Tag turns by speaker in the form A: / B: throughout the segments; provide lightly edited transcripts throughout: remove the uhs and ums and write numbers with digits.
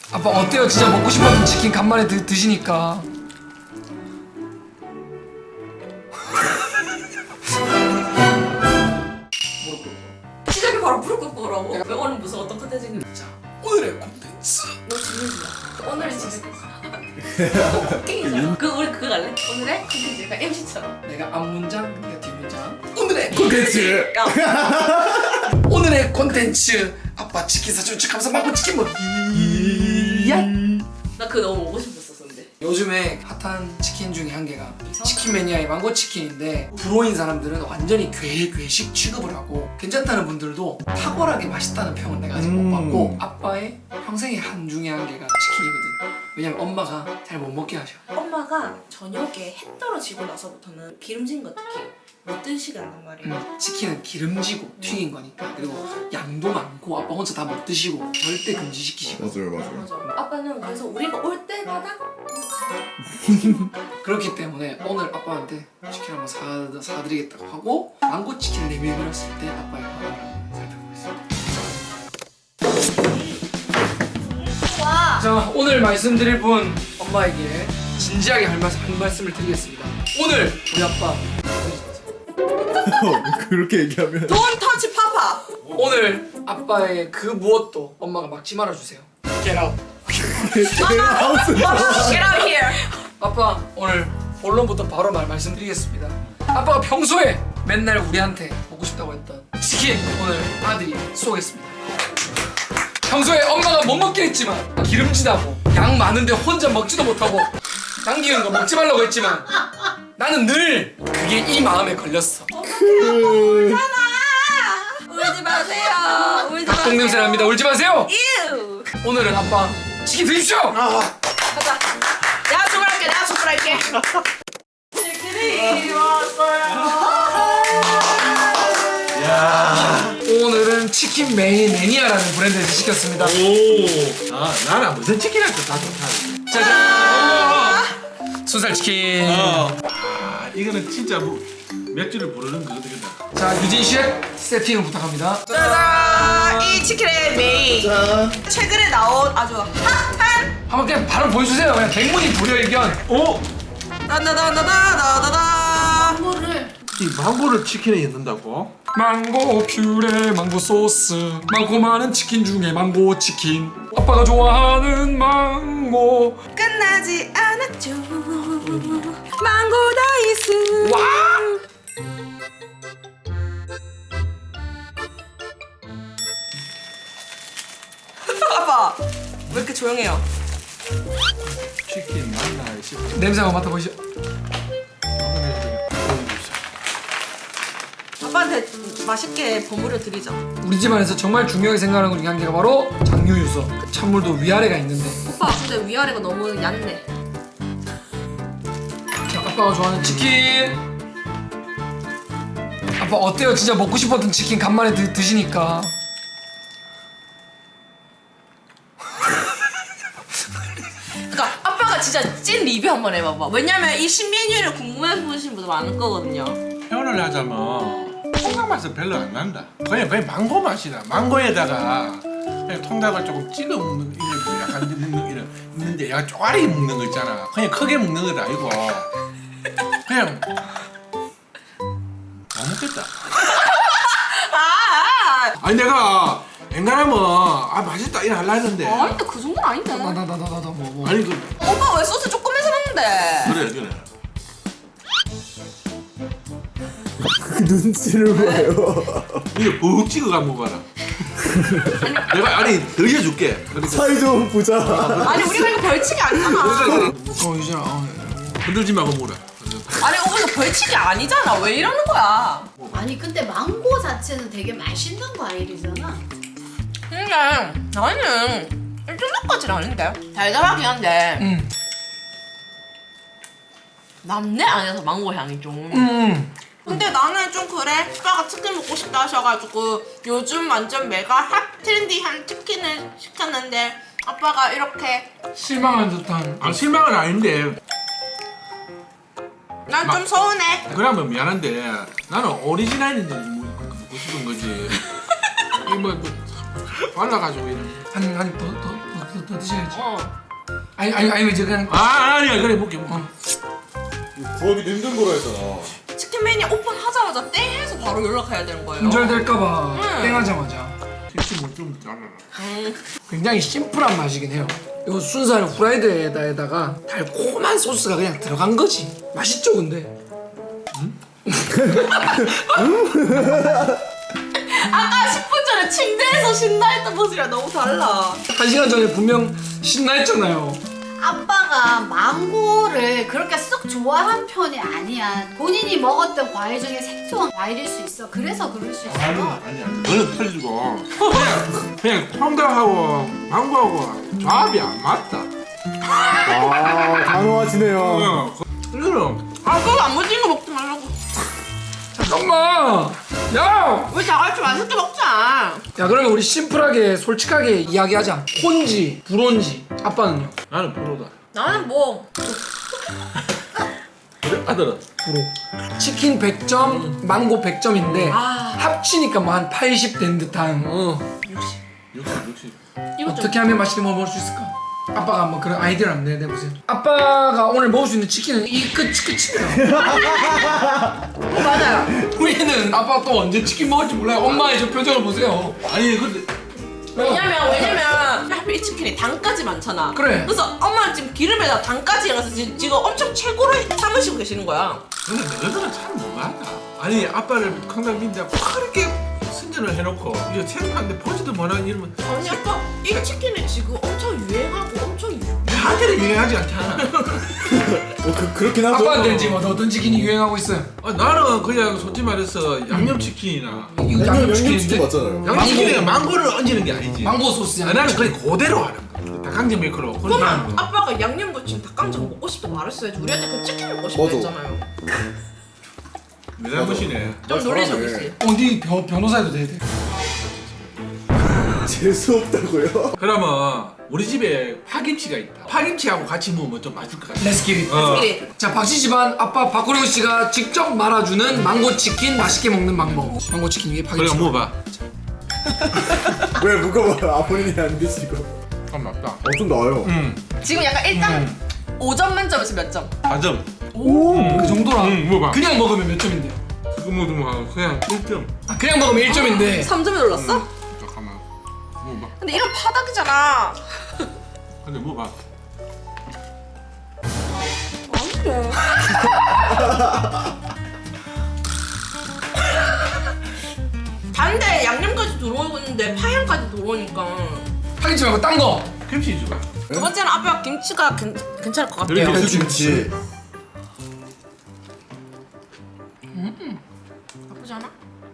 A: 아빠 어때요? 진짜 먹고 싶었던 치킨 간만에 드시니까.
B: 시작이 바로 무릎 꿇고라고? 오늘 무슨 어떤 컨텐츠인지 묻자.
A: 오늘의 콘텐츠.
B: 너 지민이야. 오늘의 지민. 게임이잖아. 우리 그거 갈래? 오늘의 컨텐츠가 MC처럼.
A: 내가 앞문장, 네가 뒷문장. 오늘의
C: 콘텐츠.
A: 오늘의 콘텐츠. 아빠 치킨 사주면 척하면서 망고 치킨 먹기.
B: 나 그거 너무 먹고 싶었었는데.
A: 요즘에 핫한 치킨 중에 한 개가 치킨 매니아의 망고 치킨인데, 불호인 사람들은 완전히 괴식 취급을 하고 괜찮다는 분들도 탁월하게 맛있다는 평은 내가 아직 못 받고, 아빠의 평생의 한 중에 한 개가 치킨이거든. 왜냐면 엄마가 잘 못 먹게 하셔.
B: 엄마가 저녁에 해 떨어지고 나서부터는 기름진 거 특히 못 드시게 한단 말이에요.
A: 치킨은 기름지고 튀긴 거니까, 그리고 양도 많고 아빠 혼자 다 못 드시고 절대 금지시키시고.
C: 맞아요.
B: 맞아. 아빠는 그래서 우리가 올 때마다
A: 그렇기 때문에 오늘 아빠한테 치킨 한번 사드리겠다고 하고 망고 치킨 리뷰를 했을 때 아빠의 반응을 살펴보겠습니다.
B: 와.
A: 자, 오늘 말씀드릴 분 엄마에게 진지하게 한 말씀을 드리겠습니다. 오늘 우리 아빠
C: 그렇게 얘기하면
B: Don't touch papa.
A: 오늘 아빠의 그 무엇도 엄마가 막지 말아주세요. Get out.
C: 하우스.
B: Get out here.
A: 아빠 오늘 본론부터 바로 말씀드리겠습니다. 아빠가 평소에 맨날 우리한테 먹고 싶다고 했던 치킨 오늘 아들이 쏘겠습니다. 평소에 엄마가 못 먹긴 했지만 기름지다고 양 많은데 혼자 먹지도 못하고 남기는 거 먹지 말라고 했지만 나는 늘 그게 이 마음에 걸렸어.
B: 울지 마세요. 울지 마세요.
A: 똥냄새 납니다. 울지 마세요.
B: ew.
A: 오늘은 아빠 치킨 드십시오.
B: 가자. 내가 주문할게. 내가 주문할게. 치킨이
D: 야.
A: 오늘은 치킨 매니아라는 브랜드에서 시켰습니다.
D: 오. 아, 나는 무슨 치킨할 때 다 좋다.
A: 짜잔. 순살 치킨.
D: 아, 이거는 진짜 뭐 맥주를 부르는 그거거든.
A: 자, 유진 셰프 세팅을 부탁합니다.
B: 짜잔. 이 치킨의 메인.
C: 짠.
B: 최근에 나온 아주 핫한
A: 한번 그냥 바로 보여주세요. 그냥 백문이 불여일견.
D: 오.
B: 다다다다다다다.
D: 이 망고를 치킨에 넣는다고?
A: 망고 퓨레, 망고 소스, 많고 많은 치킨 중에 망고 치킨. 아빠가 좋아하는 망고.
B: 끝나지 않았죠. 망고 다이스.
A: 와!
B: 아빠 왜 이렇게 조용해요?
D: 치킨 맞나 싶어.
A: 냄새 한번 맡아보시죠.
B: 아빠한테 맛있게 버무려 드리죠.
A: 우리 집안에서 정말 중요하게 생각하는 것 중에 한 개가 바로 장유유서. 찬물도 위아래가 있는데.
B: 오빠 근데 위아래가 너무 얕네.
A: 자, 아빠가 좋아하는 치킨. 아빠 어때요? 진짜 먹고 싶었던 치킨 간만에 드시니까.
B: 그러니까 아빠가 진짜 찐 리뷰 한번 해봐봐. 왜냐면 이 신메뉴를 궁금해 보시는 분들 많을 거거든요.
D: 표현을 하자면 통닭 맛은 별로 안 난다. 그냥 망고 맛이다. 망고에다가 그냥 통닭을 조금 찍어 먹는 이런 약간 먹는 이런 있는데 약간 쪼가리 먹는 거 있잖아. 그냥 크게 먹는 건 아니고 그냥 안 먹겠다. 아니 내가 앵간하면 아 맛있다 이래 하려 했는데
B: 아닌데 그 정도는 아닌데.
A: 뭐.
D: 아니 그
B: 오빠 왜 소스 조금 해서 먹는데?
D: 그래.
C: 그 눈치를 봐요.
D: 이거 푹 찍어가 먹어라. 내가 아니 더 해줄게. 그러니까
C: 사이 좋은 부자.
B: 아니 우리가 이거 벌칙이 아니잖아.
A: 유진아.
D: 흔들지 말고 먹어라.
B: 아니 오빠 이거 벌칙이 아니잖아. 왜 이러는 거야?
E: 아니 근데 망고 자체는 되게 맛있는 과일이잖아.
B: 근데 나는 이 정도까지는 아닌데. 달달하긴 한데 남내 안에서 망고 향이 좀. 근데 나는 좀 그래. 오빠가 치킨 먹고 싶다 하셔가지고 요즘 완전 메가 핫 트렌디한 치킨을 시켰는데 아빠가 이렇게
A: 실망한 듯한.
D: 아 실망은 아닌데
B: 난 좀 서운해.
D: 그러면 미안한데 나는 오리지널인지 먹고 싶은 거지. 이뭐 발라가지고 이런.
A: 한입 더 더 드셔야지.
B: 어.
A: 아니 이제 그냥
D: 아니야 그래 먹게 먹게.
C: 구하기도 힘든 거라 했잖아.
B: 치킨 매니아 오픈하자마자 땡 해서 바로 연락해야 되는 거예요.
A: 품절될까봐
B: 응.
A: 땡하자마자.
D: 치킨 뭐좀 잘라라.
A: 굉장히 심플한 맛이긴 해요. 이거 순살 후라이드에다가 달콤한 소스가 그냥 들어간 거지. 맛있죠 근데?
B: 아까 10분 전에 침대에서 신나 했던 모습이랑 너무 달라.
A: 1시간 전에 분명 신나 했잖아요.
E: 아빠가 망고를 그렇게 썩 좋아한 편이 아니야. 본인이 먹었던 과일 중에 생소한 과일일 수 있어. 그래서 그럴 수 있어.
D: 아니야. 너는 틀리고 그냥 통닭하고 망고하고 조합이 안 맞다.
C: 아, 단호하시네요.
D: 그럼
B: 아빠가 안 무진 거 먹지 말라고.
A: 잠깐만! 야!
B: 우리 다 같이 맛있게 먹자.
A: 야 그러면 우리 심플하게 솔직하게 이야기하자. 콘지, 불온지. 아빠는요?
D: 나는 프로다.
B: 나는 뭐
D: 그래? 아들은?
A: 프로. 치킨 100점, 망고 100점인데 합치니까 뭐 한 80 된 듯한
D: 60.
B: 이거 좀
A: 어떻게 하면 맛있게 먹을 수 있을까? 아빠가 한번 그런 아이디어를 한번 내보세요. 아빠가 오늘 먹을 수 있는 치킨은 이 끝입니다.
B: 맞아요.
A: 우리는 아빠가 또 언제 치킨 먹을지 몰라요. 엄마의 저 표정을 보세요.
D: 아니 근데
B: 왜냐면 하필 이 치킨이 당까지 많잖아.
A: 그래.
B: 그래서 엄마는 지금 기름에다 당까지 해서 지금 엄청 최고로 삼으시고 계시는 거야.
D: 근데 너희들은 참 너무하다. 아니 아빠를 강남 민다 그렇게 승진을 해놓고 이거 생각하는데 보지도 못하는 이러면
B: 아니 아빠 이 치킨이 지금 엄청 유행하고 엄청
D: 나한테는 유행하지 않잖아.
C: 그렇긴 하죠.
A: 아빠한테는 지금 어떤 치킨이 유행하고 있어요?
D: 나는 그냥 솔직히 말해서 양념치킨이나
A: 이거
C: 양념치킨 맞잖아요.
D: 양념치킨에 망고를 얹는 게 아니지.
A: 망고 소스
D: 나는
A: 양념치킨.
D: 그냥 그대로 하는 거야. 닭강정 메이커로 그렇게
B: 그러면
D: 하는 거야.
B: 아빠가 양념 부친 닭강정 먹고 싶다 말했어야지. 우리한테 그 치킨 먹고 싶다
C: 맞아.
B: 했잖아요.
D: 내 잘못이네.
B: 좀 논리적이지.
A: 네 변호사해도 돼.
C: 재수 없다고요?
D: 그러면 우리 집에 파김치가 있다. 파김치하고 같이 먹으면 좀 맛있을 것 같아.
A: Let's get it.
B: 미리.
A: 자 박씨 집안 아빠 박구령 씨가 직접 말아주는 망고 치킨 맛있게 먹는 방법. 망고 치킨 위에
D: 그래
A: 파김치.
D: 먹어봐.
C: 왜 묶어봐요? 본인이 안 드시고.
D: 참 맞다.
C: 좀 나아요.
B: 지금 약간 일단 5점 만점에서 몇 점?
D: 4점.
A: 그 정도라.
D: 먹어봐.
A: 그냥 먹으면 몇 점인데요?
D: 그거 먹으면 그냥 1점.
A: 아 그냥 먹으면 1점인데.
B: 3점에 놀랐어?
D: 잠깐만. 먹어봐.
B: 근데 이런 파닥이잖아.
D: 근데 먹어봐.
B: 아니래. 반대 양념까지 들어오고 있는데 파향까지 들어오니까
A: 파김치 말고 딴 거.
D: 김치 줘.
B: 두 번째는 아빠가 김치가 괜찮을 것 같아요.
D: 여기
C: 김치.
B: 나쁘지 않아?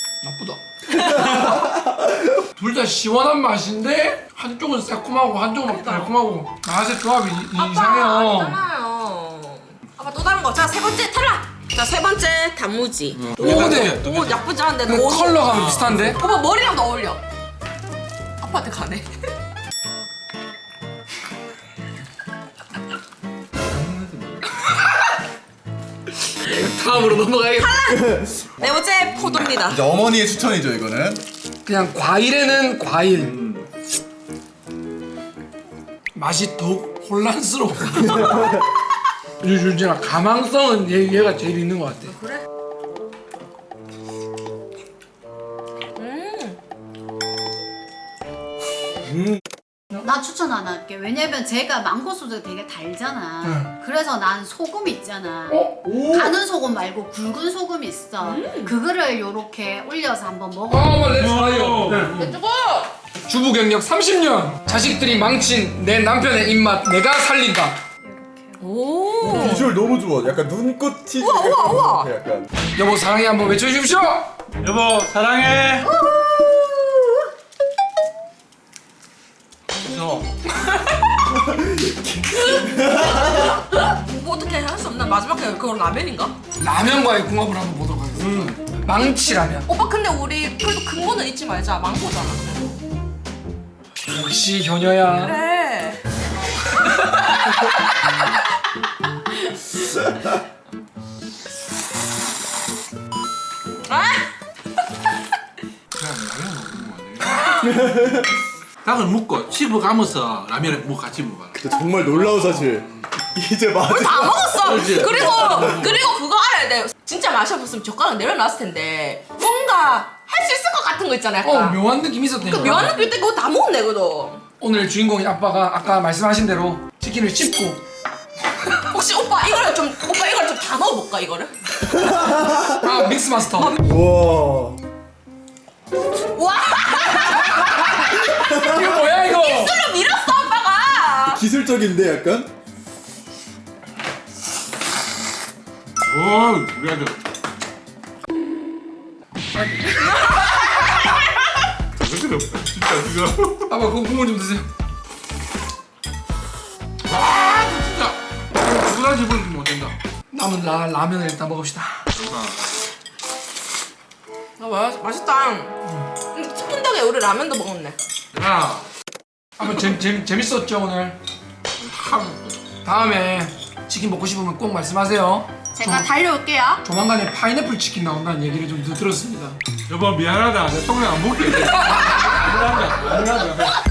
A: 나쁘다. 둘 다 시원한 맛인데 한쪽은 새콤하고 한쪽은 달콤하고 맛의 조합이 이상해요.
B: 아니잖아요. 아빠 또 다른 거. 자, 세 번째 탈락. 자, 세 번째 단무지.
A: 오 근데
B: 오, 나쁘지 않은데
A: 그
B: 너무
A: 컬러가 비슷한데?
B: 오빠 머리랑 어울려. 아빠한테 가네.
A: 다음으로 넘어가야겠다.
B: 네 번째 포도입니다.
C: 이제 어머니의 추천이죠 이거는.
A: 그냥 과일에는 과일. 맛이 더욱 혼란스러워. 유준아 가망성은 얘가 제일 있는 것 같아.
B: 그래?
E: 나 추천 안 할게. 왜냐면 제가 망고 소스가 되게 달잖아. 그래서 난 소금 있잖아. 가는 소금 말고 굵은 소금 있어. 그거를 요렇게 올려서 한번 먹어.
A: 어머 렛츠 파이어.
B: 렛츠고!
A: 주부 경력 30년. 자식들이 망친 내 남편의 입맛 내가 살린다.
B: 오.
C: 비주얼 너무 좋아. 약간 눈꽃이.
B: 우와.
C: 약간.
A: 여보 사랑해 한번 외쳐주십시오.
D: 여보 사랑해.
B: 뭐 어떻게 할 수 없나? 마지막에 그건 라면인가?
A: 라면과의 궁합을 한번 보도록 하겠습니다. 망치라면.
B: 오빠 근데 우리 그래도 근거는 잊지 말자. 망고잖아.
A: 역시 효녀야.
B: 그래. 아!
D: 그냥 라면 먹는 거 아니야? 닭을 묶고 씹어가면서 라면을 뭐 같이 먹어라.
C: 근데 정말 놀라운 사실. 이제
B: 다
C: 마지막.
B: 먹었어.
D: 그렇지.
B: 그리고 그거 알아야 돼. 진짜 맛이 없으면 젓가락 내려놨을 텐데 뭔가 할 수 있을 것 같은 거 있잖아. 약간.
A: 묘한 느낌이 있었대요.
B: 그 묘한 느낌 때 그거 다 먹었네 그거.
A: 오늘 주인공인 아빠가 아까 말씀하신 대로 치킨을 씹고
B: 혹시 오빠 이걸 좀 다 넣어볼까 이거를?
A: 아 믹스 마스터.
C: 우와.
B: 와
A: 이거 뭐야 이거?
B: 술을 밀었어 아빠가.
C: 기술적인데 약간?
D: 오, 우리 아들. 그렇게 없다. 진짜 지금.
A: 아빠 그거 국물 좀 드세요.
D: 와, 진짜. 누구나 집은 못 된다.
A: 남은 라면을 일단 먹읍시다.
B: 맛있다. 치킨 덕에 우리 라면도 먹었네.
D: 야,
A: 아빠 재밌었죠 오늘?
D: 참.
A: 다음에 치킨 먹고 싶으면 꼭 말씀하세요.
B: 제가 달려올게요.
A: 조만간에 파인애플 치킨 나온다는 얘기를 좀 들었습니다.
D: 여보 미안하다. 내 통장 안 먹게 돼. 미안하다. 미안하다.